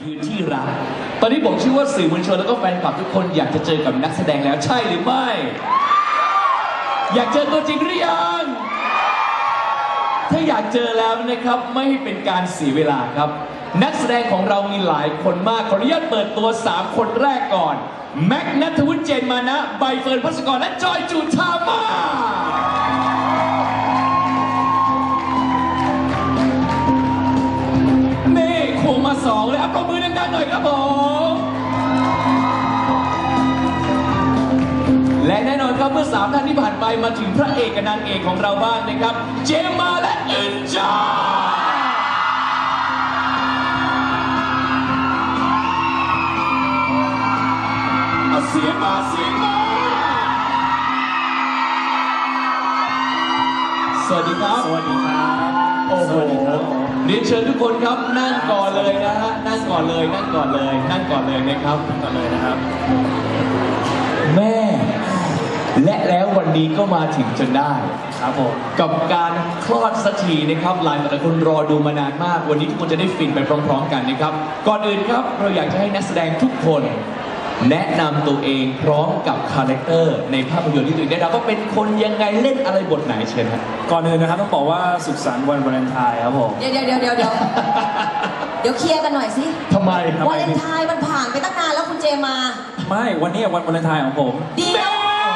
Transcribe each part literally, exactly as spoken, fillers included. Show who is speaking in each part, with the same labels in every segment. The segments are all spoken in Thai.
Speaker 1: ยืนที่รักตอนนี้ผมเชื่อว่าสื่อมวลชนแล้วก็แฟนคลับทุกคนอยากจะเจอกับนักแสดงแล้วใช่หรือไม่ อยากเจอตัวจริงหรือยัง ถ้าอยากเจอแล้วนะครับไม่ให้เป็นการเสียเวลาครับนักแสดงของเรามีหลายคนมากขออนุญาตเปิดตัวสามคนแรกก่อนแม็กนัทวุฒิเจนมานะใบเฟิร์นภัสกรและจอยจูธามาเน่ควงมาสองเลยอัปรบมือดังๆหน่อยครับผมและแน่นอนครับเมื่อสามท่านที่ผ่านไปมาถึงพระเอกกับนางเอกของเราบ้างนะครับเจมมาและอึนจาเสียงมาเสียงมาสวัสดีครับสวัสดีครับโอ้โหเรียนเชิญทุกคนครับนั่งก่อนเลยนะฮะนั่งก่อนเลยนั่งก่อนเลยนั่งก่อนเลยนะครับนั่งก่อนเลยนะครับแม่และแล้ววันนี้ก็มาถึงจนได้ครับผมกับการคลอดสักทีนะครับหลายหลายคนรอดูมานานมากวันนี้ทุกคนจะได้ฟินไปพร้อมๆกันนะครับก่อนอื่นครับเราอยากจะให้นักแสดงทุกคนแนะนำตัวเองพร้อมกับคาแรคเตอร์ในภาพยนตร์ที่ตัวเองได้รับว่าเป็นคนยังไงเล่นอะไรบทไหนเชิญครับ
Speaker 2: ก่อนอื่นนะครับต้องบอกว่าสุขสันต์วันวาเลนไทน์ครับผม
Speaker 3: เดี๋ยวเดี๋ยวเดี๋ยวเดี๋ยวเดี๋ยวเดี๋ยวเคลียร์กันหน่อยสิ
Speaker 1: ทำไม
Speaker 3: วาเลนไทน์มันผ่านไปตั้งนานแล้วคุณเจมา
Speaker 2: ไม่วันนี้วันวาเลนไทน์ของผม
Speaker 3: เดี๋ยว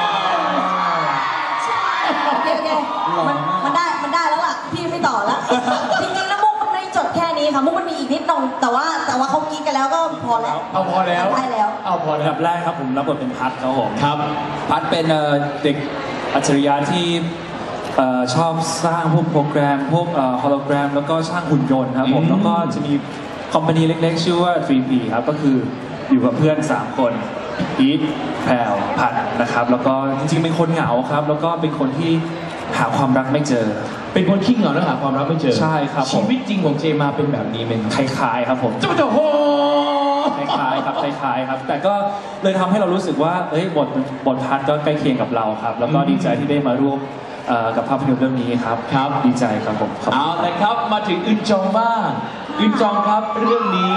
Speaker 3: โอเคโอเคมันมันได้มันได้แล้วล่ะพี่ไม่ต่อแล้วจริงๆแล้วมุกมันไม่จบแค่นี้ค่ะมุกมันมีอีกนิดหน่อยแต่ว่าแต่ว่าเขากินกันแล้วก็พอแล้ว
Speaker 1: เอาพอแล้ว
Speaker 3: ได้แล้ว
Speaker 1: เอาพอแล้ว
Speaker 2: แบบแรกครับผมรับบทเป็นพัทครับผม
Speaker 1: ครับ
Speaker 2: พัทเป็นเด็กอัจฉริยะที่ชอบสร้างพวกโปรแกรมพวกฮอลโลแกรมแล้วก็สร้างหุ่นยนต์ครับผมแล้วก็จะมีคอมพานีเล็กๆชื่อว่า ทรี พี ครับก็คืออยู่กับเพื่อนสามคนอีทแพรวพัทนะครับแล้วก็จริงๆเป็นคนเหงาครับแล้วก็เป็นคนที่หาความรักไม่เจอ
Speaker 1: เป็นคนขี้เหงาและหาความรักไม่เจอ
Speaker 2: ใช่ครับ
Speaker 1: ชีวิตจริงของเจมาเป็นแบบนี้ไหม
Speaker 2: คล้ายๆครับผม
Speaker 1: เจ้าเจ้าโห
Speaker 2: คล้ายๆครับคล้ายๆครับแต่ก็เลยทำให้เรารู้สึกว่าเอ้ยบทบทพัทก็ใกล้เคียงกับเราครับแล้วก็ดีใจที่ได้มาร่วมกับภาพยนตร์เรื่องนี้ครับ
Speaker 1: ครับ
Speaker 2: ดีใจครับผม
Speaker 1: เอาละครับมาถึงอึนจองบ้างอึนจองครับเรื่องนี้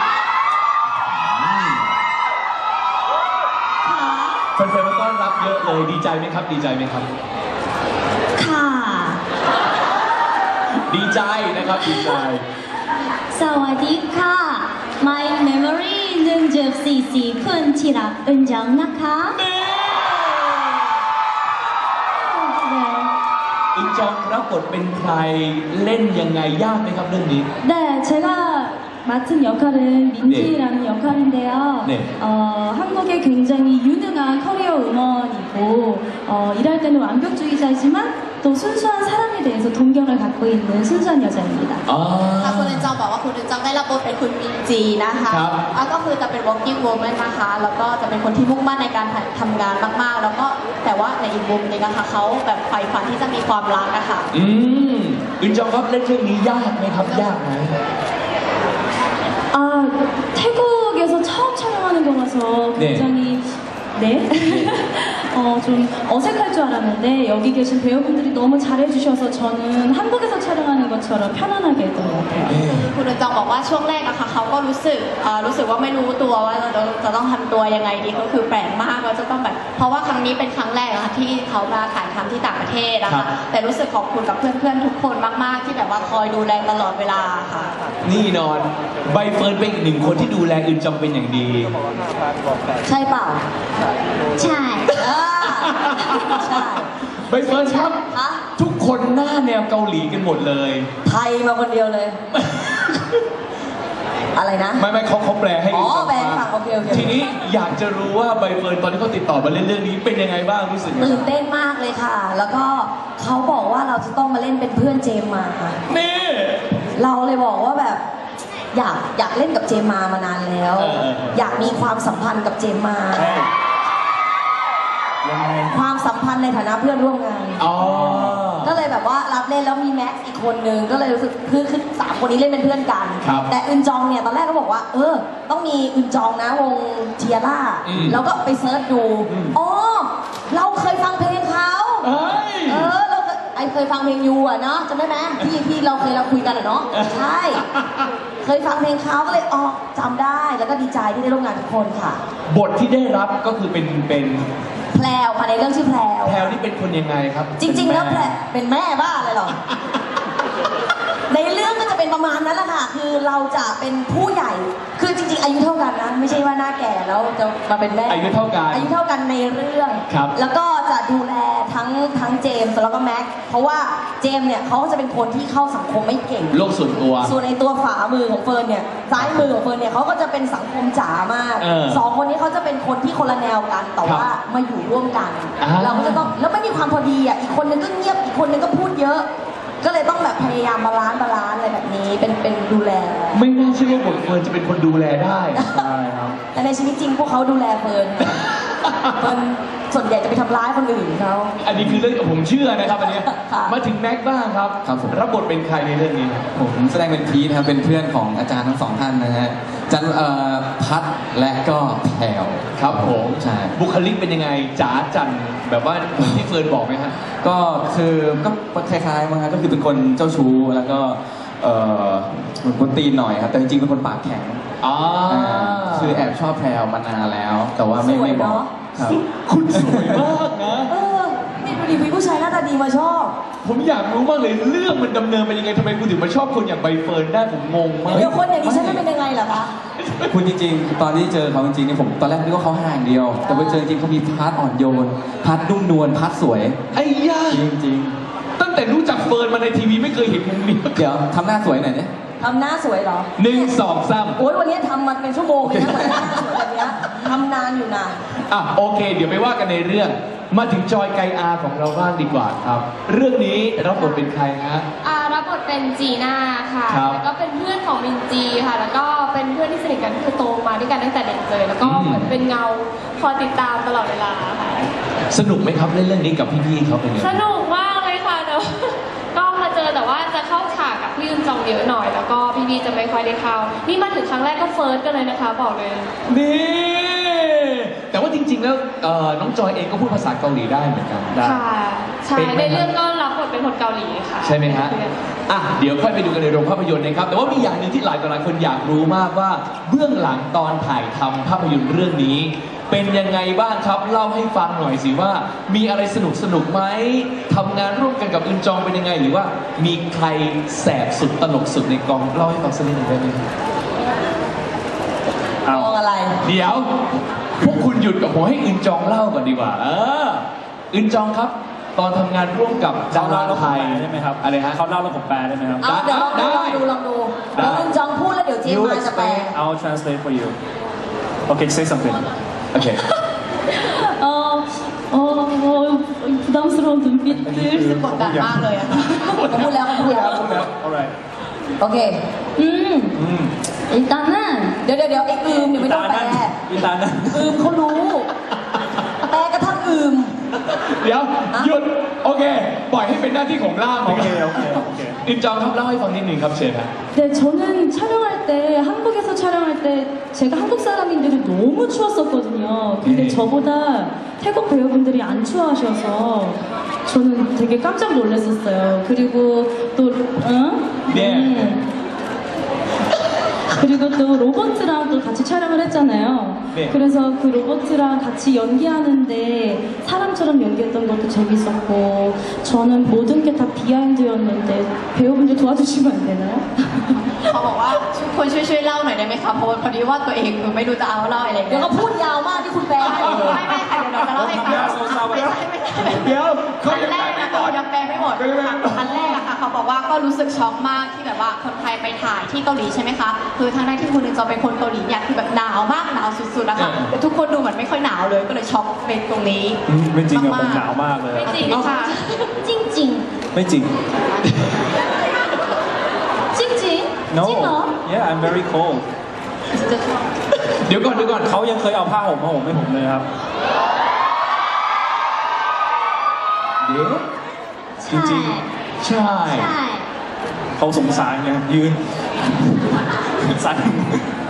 Speaker 1: แฟนๆมาต้อนรับเยอะเลยดีใจไหมครับดีใจไหมครับ
Speaker 4: ค่ะ
Speaker 1: ดีใจนะครับดีใจ
Speaker 4: สวัสดีค่ะ My memory หนึ่งจุดสี่สี่คนที่รักอึนจองนะคะ
Speaker 1: อึนจองรับบทเป็นใครเล่นยังไงยากไหมครับเรื่องนี้
Speaker 4: 네 제가 맡은 역할은 민지라는 네. 역할인데요. 네. 어, 한국의 굉장히 유능한 커리어 우먼이고 어, 일할 때는 완벽주의자이지만 또 순수한 사랑에 대해서 동경을 갖고 있는 순수한 여자입니다.
Speaker 3: 아, คุณอึนจองบอกว่าคุณอึนจองได้รับบทเป็นคุณมินจีนะคะก็คือจะเป็น working woman นะคะแล้วก็จะเป็นคนที่มุ่งมั่นในการทำงานมากๆแล้วก็แต่ว่าในอีกมุมนึงนะคะเขาแบบใฝ่ฝันที่จะมีความรักนะคะ
Speaker 1: อืมอึนจองครับเล่นเรื่องนี้ยากไหมครับยากไหม
Speaker 4: 아 태국에서 처음 촬영하는 거라서 굉장히 네, 네? 어, 좀 어색할 줄 알았는데 여기 계신 배우분들이 너무 잘해주셔서 저는 한국에서 촬영하는 것처럼 편안하게 했던 것 같아요.
Speaker 3: คุณอึนจองบอกว่าช่วงแรกนะคะเขาก็รู้สึกรู้สึกว่าไม่รู้ตัวว่าจะจะต้องทำตัวยังไงดีก็คือแปลกมากว่าจะต้องแบบเพราะว่าครั้งนี้เป็นครั้งแรกนะคะที่เขามาถ่ายทำที่ต่างประเทศนะคะแต่รู้สึกขอบคุณกับเพื่อนๆทุกคนมากๆที่แบบว่าคอยดูแลตลอดเวลาค่ะ
Speaker 1: นี่นอนใบเฟิร์นเป็นอีกหนึ่งคนที่ดูแลอึนจองเป็นอย่างดี
Speaker 3: ใช่เปล่า
Speaker 4: ใช่
Speaker 3: ใช่
Speaker 1: ใบเฟิร์นครับทุกคนหน้าแนวเกาหลีกันหมดเลย
Speaker 3: ไทยมาคนเดียวเลยอะไรนะ
Speaker 1: ไม่ไม่เขาเขาแปลให้
Speaker 3: อ๋อแปลฝั่งโอเคโอเค
Speaker 1: ทีนี้อยากจะรู้ว่าใบเฟิร์นตอนที่เขาติดต่อมาเล่นเรื่องนี้เป็นยังไงบ้างรู้สึก
Speaker 3: ตื่นเต้นมากเลยค่ะแล้วก็เขาบอกว่าเราจะต้องมาเล่นเป็นเพื่อนเจมมาค่ะ
Speaker 1: นี่
Speaker 3: เราเลยบอกว่าแบบอยากอยากเล่นกับเจมมามานานแล้วอยากมีความสัมพันธ์กับเจมมาความสัมพันธ์ในฐานะเพื่อนร่วมงานก็เลยแบบว่ารับเล่นแล้วมีแม็กซ์อีกคนนึงก็เลยรู้สึกคือคือสามคนนี้เล่นเป็นเพื่อนกันแต่อึนจองเนี่ยตอนแรกก็บอกว่าเออต้องมีอึนจองนะวงเทียร่าแล้วก็ไปเซิร์ชดูอ๋อเราเคยฟังเพลงเขาเออเราไอ
Speaker 5: อเคยฟังเพลงยูอ่ะเนาะจำได้ไหมที่ที่เราเคยเราคุยกันอ่ะเนาะใช่ เคยฟังเพลงเขาก็เลยอ๋อจำได้แล้วก็ดีใจที่ได้ร่วมงานทุกคนค่ะ
Speaker 1: บทที่ได้รับก็คือเป็นเป็น
Speaker 5: แพรวค่ะในเรื่องชื่อแพรว
Speaker 1: แพลวนี่เป็นคนยังไงครับ
Speaker 5: จริง ๆ แล้วแพร
Speaker 1: เป็น
Speaker 5: เป็นแม่บ้าเลยเหรอ ในเรื่องก็จะเป็นประมาณนั้นแหละค่ะ คือเราจะเป็นผู้ใหญ่ คือจริง ๆ อายุเท่ากันนะ ไม่ใช่ว่าหน้าแก่แล้วจะมาเป็นแม่
Speaker 1: อายุเท่ากัน
Speaker 5: อายุเท่ากันในเรื่อง
Speaker 1: ครับ
Speaker 5: แล้วก็จะดูแลทั้งทั้งเจมส์แล้วก็แม็กซ์เพราะว่าเจมส์เนี่ยเขาจะเป็นคนที่เข้าสังคมไม่เก่ง
Speaker 1: โลกส่วนตัว
Speaker 5: ส่วนในตัวฝามือของเฟิร์นเนี่ยซ้ายมือของเฟิร์นเนี่ยเขาก็จะเป็นสังคมจ๋ามาก
Speaker 1: เออ
Speaker 5: สองคนนี้เขาจะเป็นคนที่คนละแนวกันแต่ว่ามาอยู่ร่วมกัน
Speaker 1: อ่า
Speaker 5: เราก็จะต้องแล้วไม่มีความพอดีอ่ะอีกคนนึงก็เงียบอีกคนนึงก็พูดเยอะ ก็เลยต้องแบบพยายามบาลานซ์บาลานซ์อะไรแบบนี้เป็นเป็นดูแล
Speaker 1: ไม่น่าเชื่อว่าบทเฟิร์นจะเป็นคนดูแลได้
Speaker 2: ใช่ครับ
Speaker 5: แต่ในชีวิตจริงพวกเขาดูแลเฟิร์นเฟิร์นส่วนใหญ่จะไปทำร้ายคนอื่นเขา
Speaker 1: อันนี้คือเรื่องผมเชื่อนะครับอันเนี้ย
Speaker 5: ค่ะ
Speaker 1: มาถึงแม็กซ์บ้างครับ
Speaker 6: ครับผม
Speaker 1: รับบทเป็นใครในเรื่องนี้ครับ
Speaker 6: ผมแสดงเป็นพีทนะครับเป็นเพื่อนของอาจารย์ทั้งสองท่านนะฮะจันเอ่อพัดและก็แพรว
Speaker 1: ครับผม
Speaker 6: ใช่
Speaker 1: บุคลิกเป็นยังไงจ๋าจันแบบว่าเหมือนที่เฟิร์นบอกไหมฮะ
Speaker 6: ก็คือก็คล้ายๆมั้งครับก็คือเป็นคนเจ้าชู้แล้วก็เอ่อเหมือนคนตีนหน่อยครับแต่จริงๆเป็นคนปากแข็ง
Speaker 1: อ๋ออา
Speaker 6: คือแอบชอบแพรวมานานแล้ว แต่ว่าไม่
Speaker 5: สวย
Speaker 6: ไม่บอก
Speaker 5: เนอะ
Speaker 6: ครับ
Speaker 1: คุณสวยมากนะ
Speaker 5: เออนี่ดูดิมีผู้ชายหน้าตาดีมาชอบ
Speaker 1: ผมอยากรู้มากเลยเรื่องมันดำเนินเป็นยังไงทำไมคุณถึงมาชอบคนอย่างใบเฟิร์นได้ผมงงมาก
Speaker 5: เดี๋ยวคนอย่างนี้ฉันจะเป็นยังไงล่ะคะ
Speaker 6: คุณจริงๆ ตอนที่เจอเขาจริงๆเนี่ยผมตอนแรกนึกว่าเขาห่างเดียว แต่พอเจอจริงๆเขามีพาร์ทอ่อนโยนพาร์ทนุ่มนวลพาร์ทสวย
Speaker 1: ไอ้ย่า
Speaker 6: จริง
Speaker 1: ตั้งแต่รู้จักเฟิร์นมาในทีวีไม่เคยเห็นมุมนี้
Speaker 6: ๆ เดี๋ยวทำหน้าสวยหน่อยเนี่ย
Speaker 5: ทำหน้าสวยเหรอ
Speaker 1: หนึ่งสองสาม
Speaker 5: โอ้ยวันนี้ทำมันเป็นชั่วโมงเลยนะกว่าจะหน้าสวยแบบเนี้ยทำนานอยู่นาน
Speaker 1: อ่ะโอเค เดี๋ยวไปว่ากันในเรื่อง มาถึงจอยไกอาของเราบ้างดีกว่าครับ เรื่องนี้รับบทเป็นใครฮะ
Speaker 7: อ่ารับบทเป็นจีน่าค่ะ
Speaker 1: ครับ
Speaker 7: แล้วก็เป็นเพื่อนของมินจีค่ะ แล้วก็เป็นเพื่อนที่สนิทกันคือโตมาด้วยกันตั้งแต่เด็กเลย แล้วก็
Speaker 1: อืม
Speaker 7: เหมือนเป็นเงาคอยติดตามตลอดเวลาค่ะ
Speaker 1: สนุกไหมครับเล่นเรื่องนี้กับพี่ๆเขาเป็นยังไง
Speaker 7: สนุกมากเลยค่ะแต่ว่า ก็มาเจอแต่ว่าจะเข้าฉากกับพี่ยุนจองเยอะหน่อย แล้วก็พี่บีจะไม่ค่อยได้เข้า นี่มาถึงครั้งแรกก็เฟิร์สกันเลยนะคะ บอกเลย
Speaker 1: นี่ แต่ว่าจริงๆแล้วเอ่อน้องจอยเองก็พูดภาษาเกาหลีได้เหมือนกัน
Speaker 7: ค่ะ ใช่
Speaker 1: เป็นไหม
Speaker 7: ในเรื่องก็รับบทเป็นคนเกาหลีค่ะ
Speaker 1: ใช่ไหมฮะ อ่ะ เดี๋ยวค่อยไปดูกันในโรงภาพยนตร์นะครับ แต่ว่ามีอย่างหนึ่งที่หลายต่อหลายคนอยากรู้มากว่า เบื้องหลังตอนถ่ายทำภาพยนตร์เรื่องนี้ เป็นยังไงบ้างครับ เล่าให้ฟังหน่อยสิว่า มีอะไรสนุกสนุกไหมทำงานร่วมกันกับอึนจองเป็นยังไง หรือว่ามีใครแสบสุดตลกสุดในกอง เล่าให้ฟังสักนิดหนึ่งได้ไหมครับ
Speaker 2: เอา
Speaker 5: มองอะไร
Speaker 1: เดี๋ยว พวกคุณหยุดกับผมให้อึนจองเล่าก่อนดีกว่า เออ อึนจองครับ ตอนทำงานร่วมกับดา
Speaker 2: เขา
Speaker 1: รา
Speaker 2: เล่าแล้วผ
Speaker 1: ไท
Speaker 2: ม
Speaker 1: ย
Speaker 2: แปลได้ไหมครับ
Speaker 1: อะไรฮะ
Speaker 2: เขาเล่าแล้วผมแปลได้ไหมครับ
Speaker 5: เอาเดี๋ยวลองดู
Speaker 1: ได้
Speaker 5: ลองดูลองดู
Speaker 1: ได้
Speaker 5: แล้วคุณจองพูดแล้วเดี๋ยวเจม
Speaker 2: You
Speaker 5: มาจะแปล
Speaker 2: explain I'll translate for you Okay say something
Speaker 1: โอเค
Speaker 4: 어, 어, 어, 부담스러운 눈빛들.
Speaker 3: กดดันมากเลยอะค่ะ
Speaker 5: เขาพูดแล้วเขาพูดแล้ว
Speaker 2: Alright
Speaker 5: โอเค
Speaker 4: 음,
Speaker 2: อืม
Speaker 4: 일단은
Speaker 5: เดี๋ยวเดี๋ยวเดี๋ยวไอ้อืมเนี่ยไม่ต้องแปล
Speaker 2: อีตานั่น
Speaker 5: อืมเขารู้ แปลกระทั่งอืม
Speaker 1: เดี๋ยวหยุดโอเค ปล่อยให้เป็นหน้าที่ของล่าม
Speaker 2: โอเคโอเคโอเค
Speaker 1: อินจองครับเล่าให้ฟังนิดหนึ่งครับเชิญครับ
Speaker 4: 네, 저는 촬영할 때 한국에서 촬영할 때 제가 한국 사람인데도 너무 추웠었거든요. 근데
Speaker 1: 네.
Speaker 4: 저보다 태국 배우분들이 안 추워하셔서 저는 되게 깜짝 놀랐었어요. 그리고 또 응?
Speaker 1: 네.
Speaker 4: 음. 그리고 또 로버트랑 또 같이 촬영을 했잖아요.
Speaker 1: 네.
Speaker 4: 그래서 그 로버트랑 같이 연기하는데 사람처럼 연기했던 것도 재밌었고 저는 모든 게 다 비하인드였는데 배우분들 도와주시면 안 되나요?
Speaker 3: เขาบอกว่าคุณช่วยช่วยเล่าหน่อยได้ไหมคะเพราะว่าพอดีว่าตัวเองคือไม่รู้จะเอาเล่าอะไร
Speaker 5: เดี๋ยว
Speaker 3: เงี้ย
Speaker 5: ก็พูดยาวมากที่คุณแปลให้
Speaker 3: ไม่ไม่ค่ะเดี๋ยวเราจะเล่าให้ฟัง
Speaker 2: เดี๋ยวเศร้าๆไป
Speaker 3: ไม่ใช่ไม่ใช่
Speaker 1: เดี๋ยวเขา
Speaker 3: อัน
Speaker 1: ยัง
Speaker 3: แร
Speaker 1: แปล
Speaker 3: ก
Speaker 1: ไม่
Speaker 3: นะ
Speaker 1: หมด
Speaker 3: คะยังแปลไม่หมด
Speaker 1: เขายังแปลไม่หมด
Speaker 3: อันแรกอะค่ะเขาบอกว่าก็รู้สึกช็อกมากที่แบบว่าคนไทยไปถ่ายที่เกาหลีใช่ไหมคะคือทางด้านที่คุณหนึ่งจะเป็นคนเกาหลีเนี่ยคือแบบหนาวมากหนาวสุดๆนะคะ
Speaker 1: เออ
Speaker 3: แต่ทุกคนดูเหมือนไม่ค่อยหนาวเลยก็เลยช็อกเป็นตรงนี้
Speaker 2: อืมไม่จริงอะผม
Speaker 3: ากๆ
Speaker 2: หนาวมากเลย
Speaker 7: ไม่จริงค่ะ
Speaker 4: 찡찡
Speaker 2: ไม่จริง
Speaker 4: 찡찡
Speaker 2: No
Speaker 4: 찡어
Speaker 2: Yeah I'm very cold
Speaker 1: เดี๋ยวก่อนเดี๋ยวก่อน
Speaker 2: เขายังเคยเอาผ้าห่มมาห่มให้ผมเลยครับ
Speaker 1: เดี๋ยวจริงๆใช่
Speaker 2: เขาสงสารไงยืนสั่น
Speaker 1: เ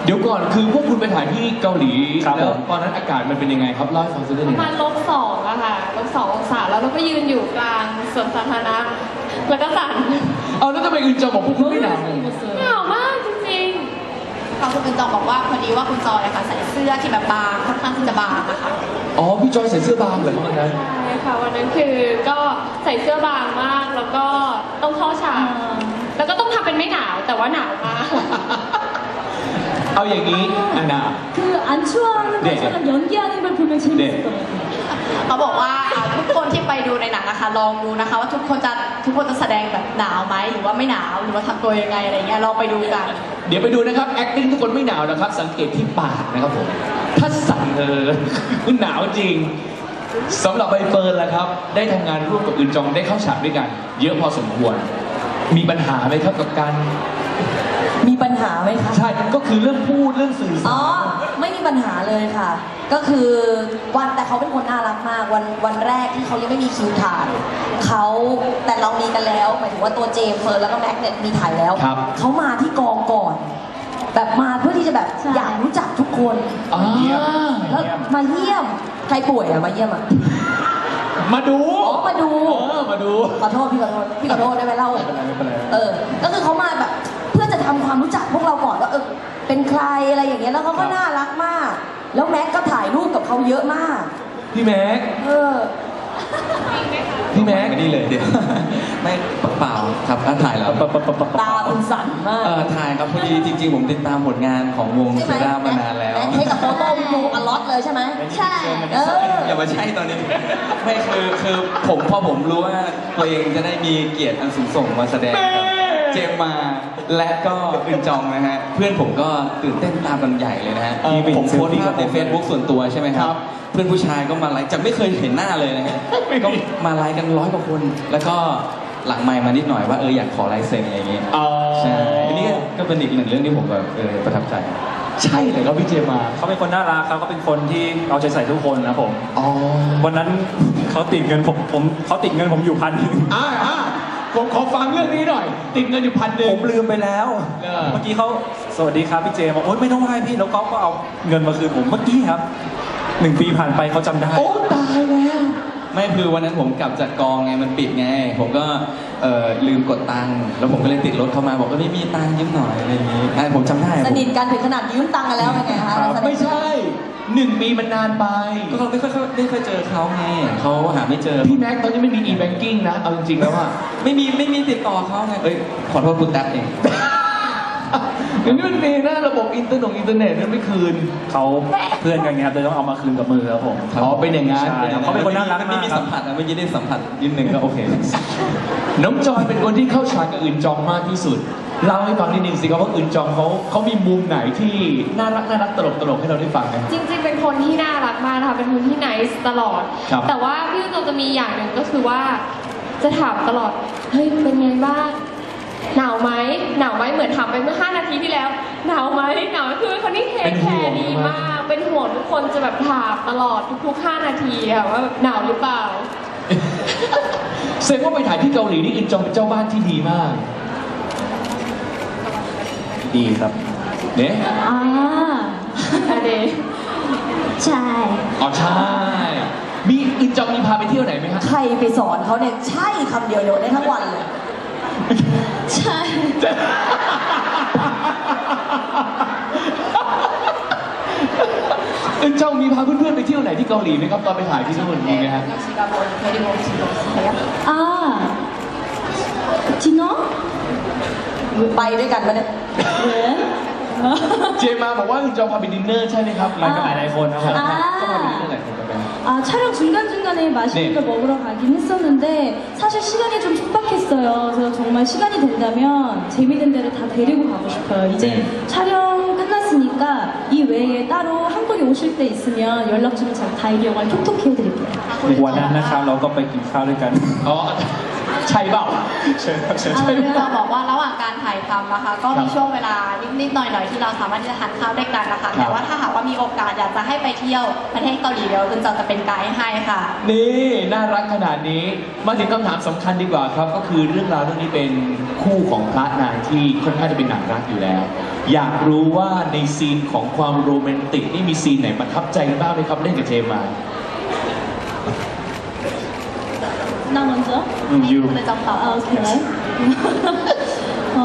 Speaker 1: ดี๋ยวก่อนคือพวกคุณไปถ่ายที่เกาหลี
Speaker 2: ครับ
Speaker 1: แล้ว
Speaker 2: ผม
Speaker 1: ตอนนั้นอากาศมันเป็นยังไงครับเล่าให้ฟังสักนิดห
Speaker 7: ป
Speaker 1: นึ่
Speaker 7: ระ
Speaker 1: ง
Speaker 7: มาณลบสองอะค่ะลบสององศาแล้วเราก็ยืนอยู่กลางสวนสาธารณะแล้วก็สั่น
Speaker 1: เอาแล้วทำไมอื่นจองบอกพวกคุณไม่หนาว
Speaker 7: หนาวมากจริง
Speaker 3: เขาคุณเป็นจองบอกว่าพอดีว่าคุณจอยอะค่ะใส่เสื้อที่แบบบางค่อนข้างที่จะบางอะค่ะ
Speaker 1: อ๋อพี่จอยใส่เสื้อบางเหรอครับวันนั้น
Speaker 7: ๆใช่ค่ะวันนั้นคือก็ใส่เสื้อบางมากแล้วก็ต้องเข้าฉากแล้วก็ต้องทำเป็นไม่หนาวแต่ว่าหนาวมาก
Speaker 1: เอาอย่างนี้อันนา
Speaker 4: 그 안 추워하는
Speaker 1: 네.
Speaker 4: 것처럼 연기하는 걸 보면 재밌을 것 같아요.
Speaker 3: เขาบอกว่าอ่าทุกคนที่ไปดูในหนังนะคะลองดูนะคะ ว่าทุกคนจะทุกคนจะแสดงแบบหนาวไหมหรือว่าไม่หนาวหรือว่าทำตัวยังไงอะไรเงี้ยลองไปดูกัน
Speaker 1: เดี๋ยวไปดูนะครับ acting ทุกคนไม่หนาวนะครับ สังเกตที่ปากนะครับผม ถ้าสั่นเออคุณหนาวจริงสำหรับใบเฟิร์นล่ะครับ ได้ทำงานร่วมกับอื่นจองได้เข้าฉากด้วยกัน เยอะพอสมควร มีปัญหาไหมครับกับการ
Speaker 5: มีปัญหาไหมคะ
Speaker 1: ใช่ก็คือเรื่องพูดเรื่องสื่อ
Speaker 5: อ๋
Speaker 1: สา
Speaker 5: อ
Speaker 1: ร
Speaker 5: ไม่มีปัญหาเลยค่ะ ก็คือวันแต่เขาเป็นคนน่ารักมากวันวันแรกที่เขายังไม่มีคิวถ่ายเขาแต่เรามีกันแล้วหมายถึงว่าตัวเจมส์เฟิร์นแล้วก็แม็กเนี่ยมีถ่ายแล้ว
Speaker 1: ครับ
Speaker 5: เขามาที่กองก่อน แบบมาเพื่อที่จะแบบ
Speaker 4: ใช่
Speaker 5: อยากรู้จักทุกคน
Speaker 1: อ่า
Speaker 5: แล้วมาเยี่ยมใครป่วยอะมาเยี่ยมอะ
Speaker 1: มาดู
Speaker 5: อ๋อมาดู
Speaker 1: เออมาดู
Speaker 5: ขอโทษพี่ขอโทษพี่ขอโทษได้ไหมเล่า
Speaker 2: ไม่เป็นไรไม่เป็นไร
Speaker 5: เออ ก็คือเขามาแบบเพื่อจะทำความรู้จักพวกเราก่อนว่าเออเป็นใครอะไรอย่างเงี้ยแล้วเขาก็น่ารักมาก แล้วแม็กก็ถ่ายรูปกับเขาเยอะมาก
Speaker 1: พี่แม็ก
Speaker 5: เออ
Speaker 1: พี่แม็ก
Speaker 6: ไม่นี่เลยเดี๋ยว ไม่เปล่าครับอ่ะถ่ายแล้ว
Speaker 2: ปะปะปะปะ
Speaker 5: ตา
Speaker 2: ปะ
Speaker 5: คุณสั่นมาก
Speaker 6: เออถ่ายครับพอดีจริงๆ ผมติดตามผลงานของวง
Speaker 5: ใช่
Speaker 6: เซ
Speaker 5: ไหม
Speaker 6: รามานานแล้ว
Speaker 5: แม็กให้กับโฟโต้วิดีโออลอตเลยใช่ไหม
Speaker 3: ใช่
Speaker 5: เออ
Speaker 6: อย่ามาใช่ตอนนี้ ไม่คือคือผมพอผมรู้ว่าตัวเองจะได้มีเกียรติอันสูงส่งมาแสดงกับเจมมาและก็อึนจองนะฮะ เพื่อนผมก็ตื่นเต้นตามกันใหญ่เลยนะฮะ
Speaker 1: เออ
Speaker 6: ผมโพสต์ภาพใน Facebook ส่วนตัวใช่ไหมครั
Speaker 1: ครับ บ
Speaker 6: เพื่อนผู้ชายก็มาไลค์จากไม่เคยเห็นหน้าเลยนะฮะก็มาไลค์กันร้อยกว่าคน แล้วก็หลังไมค์มานิดหน่อยว่าเอออยากขอลายเซ็นอะไรอย่างเงี้ย
Speaker 1: อ๋อ
Speaker 6: ใช่อันนี้ก็เป็นอีกหนึ่งเรื่องที่ผมแบบเออประทับใจ
Speaker 1: ใช่เลยครับพี่เจมา
Speaker 2: เขาเป็นคนน่ารักครับเขาเป็นคนที่เอาใจใส่ทุกคนนะผม
Speaker 1: อ๋อ
Speaker 2: วันนั้นเขาติดเงินผมผมเขาติดเงินผมอยู่พันหนึ่ง
Speaker 1: อ่าอ่าผมขอฟังเรื่องนี้หน่อย ติดเงินอยู่พันหนึ่
Speaker 2: ผ
Speaker 1: ง
Speaker 2: มลืมไปแล้ว
Speaker 1: เออ
Speaker 2: เมื่อกี้เขาสวัสดีครับพี่เจบอกโอ๊ยไม่ต้องไหว้พี่แล้วเขาก็เอาเงินมาคืนผมเมื่อกี้ครับหนึ่งปีผ่านไปเขาจำได้
Speaker 1: โอ้ตายแล้ว
Speaker 6: ไม่คือวันนั้นผมกลับจากกองไงมันปิดไง ผมก็เอ่อลืมกดตังค์แล้วผมก็เลยติดรถเข้ามาบอกว่าไม่มีตังค์ยืมหน่อยอะไรอย่างงี้อ่ะผมจำได้
Speaker 5: ส
Speaker 6: ผม
Speaker 5: นิทกันถึงขนาดยืมตังค์กันแล้วเป็นไงคะ
Speaker 2: ครับ
Speaker 5: สนิ
Speaker 1: ไม่
Speaker 5: ท
Speaker 1: ใช่หนึ่งปีมันนานไป
Speaker 6: ก็เราไม่ค่อยไม่ค่อยเจอเขาไงเขาหาไม่เจอ
Speaker 1: พี่แม็กซ์ตอนนี้ไม่มี e-banking นะ เอาจริงๆแล้วอะ
Speaker 6: ไม่มีไม่มีติดต่อเขาไงเอ้ยขอโทษคุณแท็บเอง
Speaker 1: เดี๋ยวนี้มันมีนะระบบอินเทอร์เน็ตอินเทอร์เน็ตนั้นไม่คืน
Speaker 2: เขาเพื่อนกันไงครับเลยต้องเอามาคืนกับมือครับผม
Speaker 1: อ๋อเป็นอย่างนั้น
Speaker 2: ใช่ครับเขาเป็นคนน่ารัก
Speaker 6: ไม่
Speaker 2: มาก
Speaker 6: มี
Speaker 2: ครั
Speaker 6: สั
Speaker 2: บ
Speaker 6: มผัสนะเมื่อกี้ได้สัมผัสนิดนึงก็โอเค
Speaker 1: น้องจอยเป็นคนที่เข้าฉากกับอื่นจองมากที่สุด เล่าให้ฟังนิดนึงสิครับว่าอื่นจองเขาเขามีมุมไหนที่น่ารักน่ารักตลกตลกให้เราได้ฟังไหม
Speaker 7: จริงๆ เป็นคนที่น่ารักมากนะคะ เป็นคนที่ nice ตลอด
Speaker 1: ครับ
Speaker 7: แต่ว่าพี่โจจะมีอย่างหนึ่งก็คือว่าจะถามตลอด เฮ้ย เป็นไงบ้าง หนาวไหม หนาวไหมเหมือนถามไปเมื่อห้านาทีที่แล้ว หนาวไหมหนาวไหมคือเป็นคนที่เทคแคร์ดีมาก เป็นห่วงทุกคนจะแบบถามตลอดทุกๆห้านาทีค่ะว่าแบบหนาวหรือเปล่า
Speaker 1: เซฟว่าไปถ่ายที่เกาหลีนี่อื่นจองเป็นเจ้าบ้านที่ดีมาก
Speaker 2: ดีครับ
Speaker 1: เนี่ย
Speaker 4: 아,
Speaker 7: อันนี้
Speaker 4: 잘.
Speaker 1: อ๋อใช่ มีอื่นจองมีพาไปเที่ยวไหนไหมฮะ
Speaker 5: ใครไปสอนเขาเนี่ยใช่คำเดียวเดียวได้ทั้งวันเลย
Speaker 4: 잘.
Speaker 1: อื่นจองมีพาเพื่อนๆไปเที่ยวไหนที่เกาหลีไหมครับตอนไปถ่ายที่นู่นมีไหมฮะ
Speaker 4: 아, 디너?
Speaker 5: ไปด้วยกันปะเนี่ย
Speaker 4: 왜?
Speaker 1: เจมาบอกว่าอื่นจองพาไปดินเนอร์ใช่ไหมครับ
Speaker 2: ไปกันหลายๆคนครับผม
Speaker 1: ก็พาไปดินเนอ
Speaker 4: 아,
Speaker 1: ร์หลายคนกัน
Speaker 4: 아, 촬영 중간중간에 맛있는
Speaker 1: 네.
Speaker 4: 걸 먹으러 가긴 했었는데 사실 시간이 좀 촉박했어요. 그래서 정말 시간이 된다면 재밌는 데를 다 데리고 가고 싶어요. 이제
Speaker 1: 네.
Speaker 4: 촬영 끝났으니까 이 외에 따로 한국에 오실 때 있으면 연락 주면 제가 다 이용할 톡톡히 해드릴게요.
Speaker 2: วันนั้นนะครับเราก็ไปกินข้าวด้วยกัน
Speaker 1: อ๋อใช่เปล่า
Speaker 2: เชิญครับเชิญ
Speaker 3: เออเราบอกว่าระหว่างการถ่ายทำนะคะ ก็มีช่วงเวลานิดๆหน่อยๆที่เราสามารถที่จะทานข้าวด้วยกันนะคะ แต่ว่าถ้าหากว่ามีโอกาสอยากจะให้ไปเที่ยวประเทศเกาหลีเดี๋ยวคุณจอจะเป็นไกด์ให้ค่ะ
Speaker 1: นี่น่ารักขนาดนี้มาถึงคำถามสำคัญดีกว่าครับ ก็คือเรื่องราวเรื่องนี้เป็นคู่ของพระนางที่ค่อนข้างจะเป็นหนังรักอยู่แล้วอยากรู้ว่าในซีนของความโรแมนติกนี่มีซีนไหนประทับใจบ้างไหมครับเล่นกับเจมมา
Speaker 4: 나 먼저?
Speaker 2: อืม
Speaker 3: ให้
Speaker 2: ยู
Speaker 3: คุณเลยจำตอบ
Speaker 4: 아, 오케이. 어...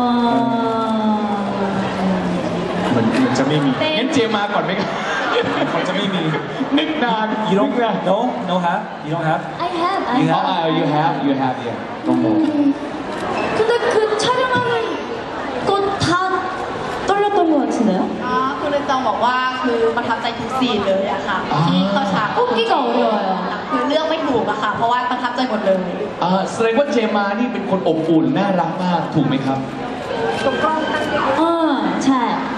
Speaker 2: เหมือนเหมือนจะไม่มี
Speaker 1: งั้นเจมมาก่อนไหมครับ
Speaker 2: เขาจะไม่มี
Speaker 1: นึกนาน
Speaker 2: you
Speaker 1: นึ
Speaker 2: don't
Speaker 1: กนาน
Speaker 2: no no have you don't have
Speaker 4: I have, I
Speaker 2: You
Speaker 1: Oh,
Speaker 4: have.
Speaker 1: uh, you have you have yeah
Speaker 2: don't know
Speaker 4: 근데 그 촬영하는 거 다 떨렸던 것 같은데요?
Speaker 3: อ๋อคุณเลยจองบอกว่าคือประทับใจทุกซีนเลยอะค่ะ ที่เข้าฉาก
Speaker 4: 뽑기가 어려워요.
Speaker 3: คือเลือกไม่ถูกอะค่ะ เพราะว่าประทับใจหมดเลย
Speaker 1: อ่าแสดงว่าเจมมานี่เป็นคนอบอุ่นน่ารักมากถูกไหมครับ
Speaker 4: 어, 잘.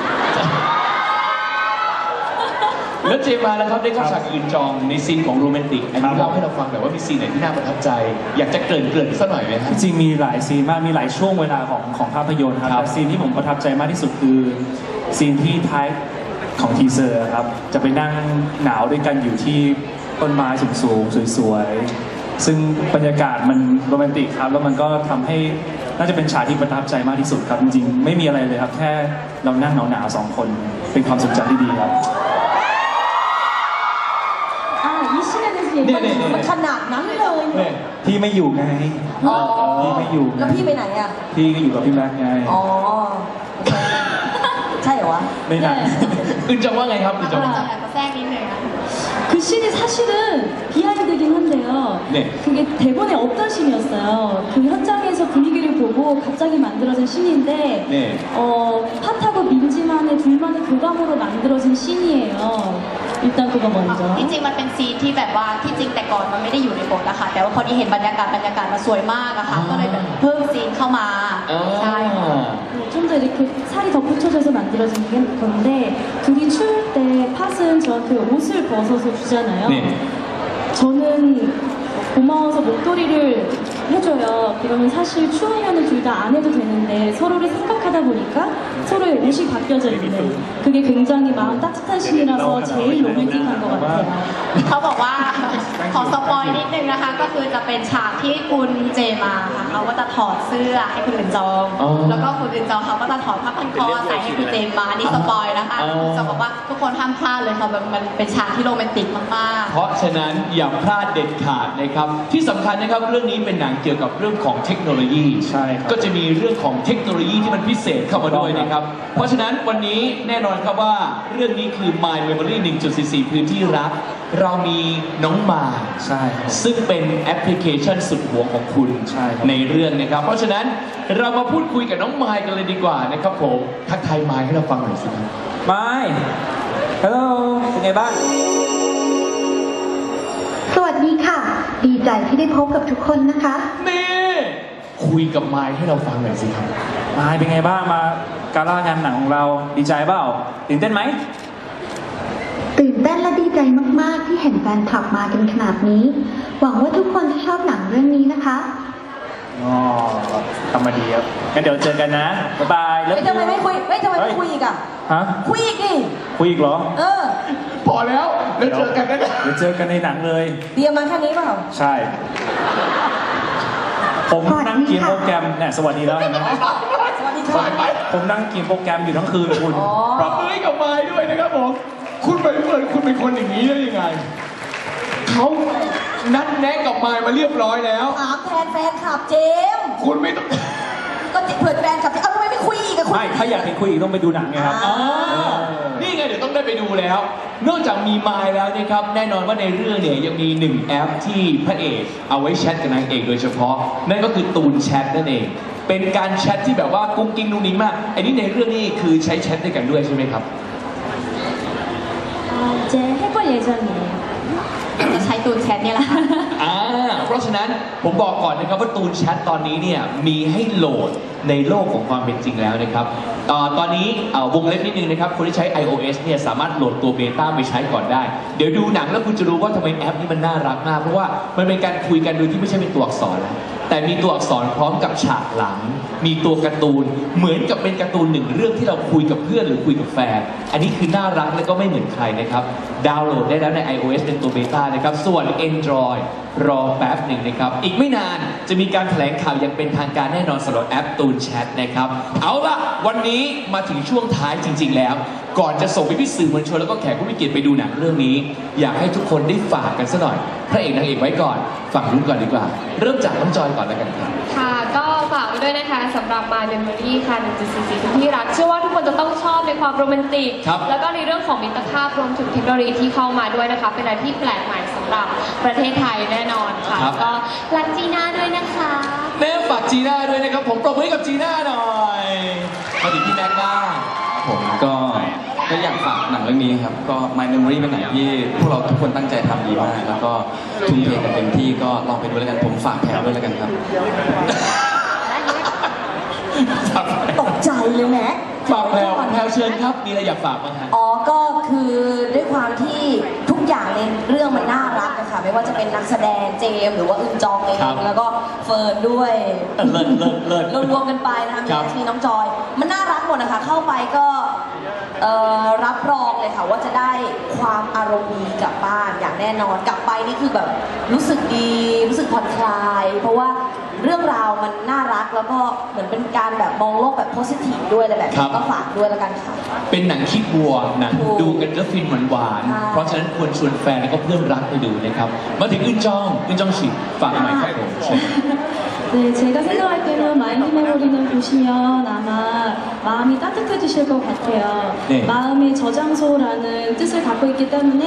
Speaker 1: แล้วเจมมาแล้วครับได้เข้าฉากกับอึนจองในซีนของโรแมนติกอันนี้เล่าให้เราฟังแบบว่ามีซีนไหนที่น่าประทับใจ อยากจะเกริ่นเกริ่นสักหน่อยไหมครับ
Speaker 2: จริงๆมีหลายซีนมากมีหลายช่วงเวลาของของภาพยนตร์ครับ
Speaker 1: ครับ
Speaker 2: แต่ซีนที่ผมประทับใจมากที่สุดคือซีนที่ท้ายของทีเซอร์ครับจะไปนั่งหนาวด้วยกันอยู่ที่ต้นไม้สูงๆสวยๆซึ่งบรรยากาศมันโรแมนติกครับแล้วมันก็ทำให้น่าจะเป็นฉากที่ประทับใจมากที่สุดครับจริงๆไม่มีอะไรเลยครับแค่เรานั่งหนาวๆสองคนเป็นความทรงจำที่ดีครับ
Speaker 4: 아, 이 씬에 대해서
Speaker 1: 네,
Speaker 4: 얘기해
Speaker 1: 네, 네.
Speaker 5: มันขนาดนั้นเลย
Speaker 1: เนี่ย
Speaker 2: พี่ไม่อยู่ไง
Speaker 5: อ๋อ
Speaker 2: พี่ไม่อยู่ไง
Speaker 5: แล้วพี่ไปไหนอ่ะ
Speaker 2: พี่ก็อยู่กับพี่แม็กซ์ไง
Speaker 5: อ๋อ ใช่เหรอวะ
Speaker 2: ไม่นาน
Speaker 1: อึนจองว่าไงครับอึนจอง
Speaker 3: คุณเลยจองอยากจะแทรกนิดนึงนะ
Speaker 4: 그 씬이 사실은 비하인드긴 한데요.
Speaker 1: 네.
Speaker 4: 그게 대본에 없던 씬이었어요. 그 현장에서 분위기를 보고 갑자기 만들어진 씬인데,
Speaker 1: 네.
Speaker 4: 어, 팟하고 민지만의 둘만의 교감으로 만들어진 씬이에요. 일단 그거 먼저.
Speaker 3: ที่จริงมันเป็นซีนที่แบบว่าที่จริงแต่ก่อนมันไม่ได้อยู่ในบทอะค่ะ แต่ว่าพอดีเห็นบรรยากาศบรรยากาศมันสวยมากอะค่ะ ก็เลยแบบเพิ่มซีนเข้ามา
Speaker 1: อ่า
Speaker 3: ใช่ค่ะ
Speaker 4: 네, 좀 더 이렇게 살이 덧붙여져서 만들어진 게 건데 둘이 추울 때 팟은 저한테 옷을 벗어서 주잖아요.
Speaker 1: 네.
Speaker 4: 저는 고마워서 목도리를 해줘요. 그러면 사실 추우면 둘 다 안 해도 되는데 서로를 생각하다 보니까 서로의 옷이 바뀌어져 있는 그게 굉장히 마음 따뜻한 신이라서 제일 로맨틱한 것 같아요.
Speaker 3: เขาบอกว่าขอสปอยนิดนึงนะคะ ก็คือจะเป็นฉากที่คุณเจมาค่ะเขาก็จะถอดเสื้อให้คุณอื่นจอง
Speaker 1: อ๋อ
Speaker 3: แล้วก็คุณอื่นจองเขาก็จะถอดผ้าพันคอใส่ให้คุณเจมมาอันนี้สปอยนะคะ
Speaker 1: อ๋อ
Speaker 3: จะบอกว่าทุกคนห้ามพลาดเลยค่ะแบบมันเป็นฉากที่โรแมนติกมากๆ
Speaker 1: เพราะฉะนั้นอย่าพลาดเด็ดขาดนะครับ ที่สำคัญนะครับเรื่องนี้เป็นหนังเกี่ยวกับเรื่องของเทคโนโลยี
Speaker 2: ใช่ครับ
Speaker 1: ก็จะมีเรื่องของเทคโนโลยีที่มันพิเศษเข้ามาด้วยนะครับ เพราะฉะนั้นวันนี้แน่นอนครับว่าเรื่องนี้คือ My Memory หนึ่งจุดสี่สี่ พื้นที่รัก เรามีน้องมาย
Speaker 2: ใช่ครับ
Speaker 1: ซึ่งเป็นแอปพลิเคชันสุดหวงของคุณ
Speaker 2: ใช่ครับ
Speaker 1: ในเรื่องนะครับ เพราะฉะนั้นเรามาพูดคุยกับน้องมายกันเลยดีกว่านะครับผมทักทายมายให้เราฟังหน่อยสิครับ
Speaker 2: ไม่ฮัลโหลเป็นไงบ้าง
Speaker 8: สวัสดีค่ะ ดีใจที่ได้พบกับทุกคนนะคะ
Speaker 1: นี่คุยกับมายให้เราฟังหน่อยสิครับ
Speaker 2: มายเป็นไงบ้างมาการ่างานหนังของเราดีใจเปล่าตื่นเต้นไหม
Speaker 8: ตื่นเต้นและดีใจมากๆที่เห็นแฟนคลับมากันขนาดนี้ หวังว่าทุกคนจะชอบหนังเรื่องนี้นะคะ
Speaker 2: อ๋อทำมาดีครับงั้นเดี๋ยวเจอกันนะ บ๊ายบายแล้ว
Speaker 5: เฮ้ยทำไมไม่คุยเฮ้ยทำไมไม่คุยอีกอ่ะ
Speaker 2: ฮะ
Speaker 5: คุยอีกดิ
Speaker 2: คุยอีกเหรอ
Speaker 5: เออ
Speaker 1: พอแล้วแล้วเจอกันนะ
Speaker 2: เดี๋ยวเจอกันในหนังเลย
Speaker 5: เตรียมมาแค่นี้เปล่า
Speaker 2: ใช่ ผมนั่งกินโปรแกรมเนี่ยสวัสดีแล้วเห็นไหม
Speaker 5: สวัสดีค่ะ
Speaker 2: ผมนั่งกินโปรแกรมอยู่ทั้งคืนเลยคุณ
Speaker 5: อ๋อ
Speaker 1: ปรับมือให้กับมายด้วยนะครับผม คุณไปเหมือนคุณเป็นคนอย่างนี้ได้ยังไง เขานัดแนะกับมายมาเรียบร้อยแล้ว
Speaker 5: ถามแทนแฟนคลับเจมส์
Speaker 1: คุณไม่ต้อง
Speaker 5: ก็เผื่อแฟนคลับเจมส์เอาทำไมไม่คุยอีกอะคุย
Speaker 2: ไม่ ถ้าอยากเห็นคุยอีกต้องไปดูหนังไงครับ
Speaker 1: อ่านี่ไงเดี๋ยวต้องได้ไปดูแล้ว นอกจากมีมายแล้วนะครับ แน่นอนว่าในเรื่องเนี่ยยังมีหนึ่งแอปที่พระเอกเอาไว้แชทกับนางเอกโดยเฉพาะ นั่นก็คือตูนแชทนั่นเอง เป็นการแชทที่แบบว่ากุ้งกิ้งนุ่งนิ้งมากไอ้นี่ในเรื่องนี้คือใช้แชทด้วยกันด้วยใช่ไหมครับ
Speaker 4: 아, 이제 해볼 예정이에요.
Speaker 3: จะใช้ตูนแชทเนี่ยแหละค่ะ
Speaker 1: อ่าเพราะฉะนั้นผมบอกก่อนนะครับว่าตูนแชทตอนนี้เนี่ยมีให้โหลดในโลกของความเป็นจริงแล้วนะครับเอ่อตอนนี้เอ่อวงเล็บนิดนึงนะครับคนที่ใช้ iOS เนี่ยสามารถโหลดตัวเบต้าไปใช้ก่อนได้ เดี๋ยวดูหนังแล้วคุณจะรู้ว่าทำไมแอปนี้มันน่ารักมาก เพราะว่ามันเป็นการคุยกันโดยที่ไม่ใช่เป็นตัวอักษรแล้วแต่มีตัวอักษรพร้อมกับฉากหลังมีตัวการ์ตูนเหมือนกับเป็นการ์ตูนหนึ่งเรื่องที่เราคุยกับเพื่อนหรือคุยกับแฟน อันนี้คือน่ารักและก็ไม่เหมือนใครนะครับดาวน์โหลดได้แล้วใน iOS เป็นตัวเบต้านะครับส่วน Android รอแป๊บหนึ่งนะครับอีกไม่นานจะมีการแถลงข่าวอย่างเป็นทางการแน่นอนสำหรับแอปตูนแชทนะครับเอาล่ะวันนี้มาถึงช่วงท้ายจริง ๆ แล้ว ก่อนจะส่งไปพี่สื่อมวลชนแล้วก็แขกผู้มีเกียรติไปดูหนังเรื่องนี้ อยากให้ทุกคนได้ฝากกันซะหน่อยพระเอกนางเอกไว้ก่อนฝั่งรุ่นก่อนดีกว่า เริ่มจากน้องจอยก่อนแล้วกันครับ
Speaker 7: ค่ะก็ฝากไว้ด้วยนะคะสำหรับ My Memory ค่ะหนึ่งจุดสี่สี่ที่รักเชื่อว่าทุกคนจะต้องชอบในความโรแมนติก
Speaker 1: ครับ
Speaker 7: แล้วก็ในเรื่องของมิตรภาพรวมถึงเทคโนโลยีที่เข้ามาด้วยนะคะเป็นอะไรที่แปลกใหม่สำหรับประเทศไทยแน่นอนค่ะ
Speaker 1: ครับ
Speaker 7: ก็รักจีน่าด้วยนะคะ
Speaker 1: แม่ฝากจีน่าด้วยนะครับผมปรบมือให้กับจีน่าหน่อยมาถึงพี่แม็กซ์บ้าง
Speaker 6: ผมก็ก็อยากฝากหนังเรื่องนี้ครับก็ My Memory เป็นหนังที่พวกเราทุกคนตั้งใจทำดีมาก แล้วก็ทุ่มเทกันเต็มที่ก็ลองไปดูแล้วกันผมฝากแพรด้วยแล้วกันครับ
Speaker 5: ตกใจเลยแม็ก
Speaker 1: ฝากแพลวแพลวเชิญครับมีอะไรอยากฝากบ้างฮะ
Speaker 5: อ๋อ ก็คือด้วยความที่ทุกอย่างในเรื่องมันน่ารักนะคะไม่ว่าจะเป็นนักแสดงเจมส์หรือว่าอึนจองเอง
Speaker 1: ครับ
Speaker 5: แล้วก็เฟิร์นด้วย
Speaker 1: เออเลิศเลิศเลิศ
Speaker 5: รวมๆกันไปนะคะมี
Speaker 1: ครับ
Speaker 5: มีน้องจอย มันน่ารักหมดนะคะเข้าไปก็เอ่อรับรองเลยค่ะว่าจะได้ความอารมณ์ดีกลับบ้านอย่างแน่นอนกลับไปนี่คือแบบรู้สึกดีรู้สึกผ่อนคลาย เพราะว่าเรื่องราวมันน่ารักแล้วก็เหมือนเป็นการแบบมองโลกแบบโพสิทีฟด้วยอะไรแบบ
Speaker 1: ครั
Speaker 5: นี้
Speaker 1: บ
Speaker 5: ก็ฝากด้วยแล้วกันค่ะ
Speaker 1: เป็นหนังคิดบวกหนัง
Speaker 5: ถูก
Speaker 1: ดูกันแล้วฟินหวาน
Speaker 5: ใช่
Speaker 1: ๆเพราะฉะนั้นควรชวนแฟนและก็เพื่อนรักไปดูนะครับมาถึงอึนจองอึนจองฉีฝากหน่อยครับผมเชิญ
Speaker 4: 네, 제가 생각할 때는 마인드 메모리는 보시면 아마 마음이 따뜻해지실 것 같아요.
Speaker 1: 네.
Speaker 4: 마음의 저장소라는 뜻을 갖고 있기 때문에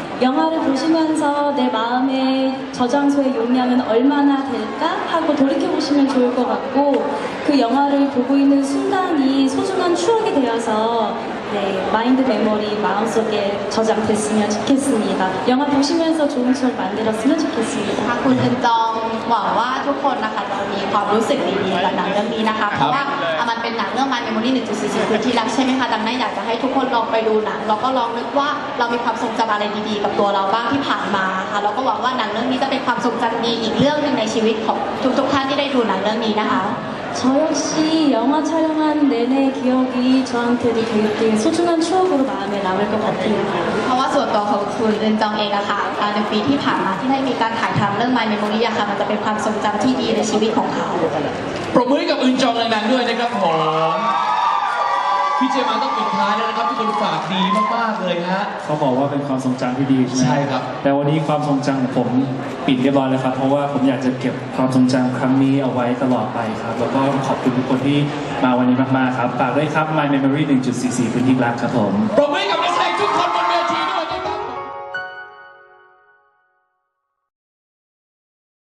Speaker 4: 영화를 보시면서 내 마음의 저장소의 용량은 얼마나 될까 하고 돌이켜보시면 좋을 것 같고 그 영화를 보고 있는 순간이 소중한 추억이 되어서 네, 마인드 메모리 마음속에 저장됐으면 좋겠습니다. 영화 보시면서 좋은 추억 만들었으면 좋겠습니다.
Speaker 3: ค่ะคุณอึนจองหวังว่าทุกคนนะคะจะมีความรู้สึกดีๆกับหนังเรื่องนี้นะคะ เพราะว่าอ่ะมันเป็นหนังเรื่อง My Memory หนึ่งจุดสี่สี่คือที่รักใช่ไหมคะดังนั้นอยากจะให้ทุกคนลองไปดูหนังแล้วก็ลองนึกว่าเรามีความทรงจำอะไรดีๆ กับตัวเราบ้างที่ผ่านมาค่ะแล้วก็หวังว่าหนังเรื่องนี้จะเป็นความทรงจำดีอีกเรื่องหนึ่งในชีวิตของทุกๆท่านที่ได้ดูหนังเรื่องนี้นะคะ
Speaker 4: 저 역시 영화 촬영한 내내 기억이 저한테도 되게 소중한 추억으로 마음에 남을 것 같아요.
Speaker 3: เพราะว่าส่วนตัวของคุณอึนจองเองอะค่ะอ่าในปีที่ผ่านมาที่ได้มีการถ่ายทำเรื่อง My Memory อะค่ะมันจะเป็นความทรงจำที่ดีในชีวิตของเขา
Speaker 1: ปรบมือให้กับอึนจองดังๆด้วยนะครับผมพี่เจมาต้องปิดท้ายแล้วนะครับทุกคนฝากดีมากๆเลยฮะ
Speaker 2: เขาบอกว่าเป็นความทรงจำที่ดีใช่ไหม
Speaker 1: ใช่ครับ
Speaker 2: แต่วันนี้ความทรงจำของผมปิดเรียบร้อยแล้วครับ เพราะว่าผมอยากจะเก็บความทรงจำครั้งนี้เอาไว้ตลอดไปครับ แล้วก็ขอบคุณทุกคนที่มาวันนี้มากๆครับฝากด้วยครับ My Memory หนึ่งจุดสี่สี่ พื้นที่รักครับผม
Speaker 1: ปรบมือให้กับ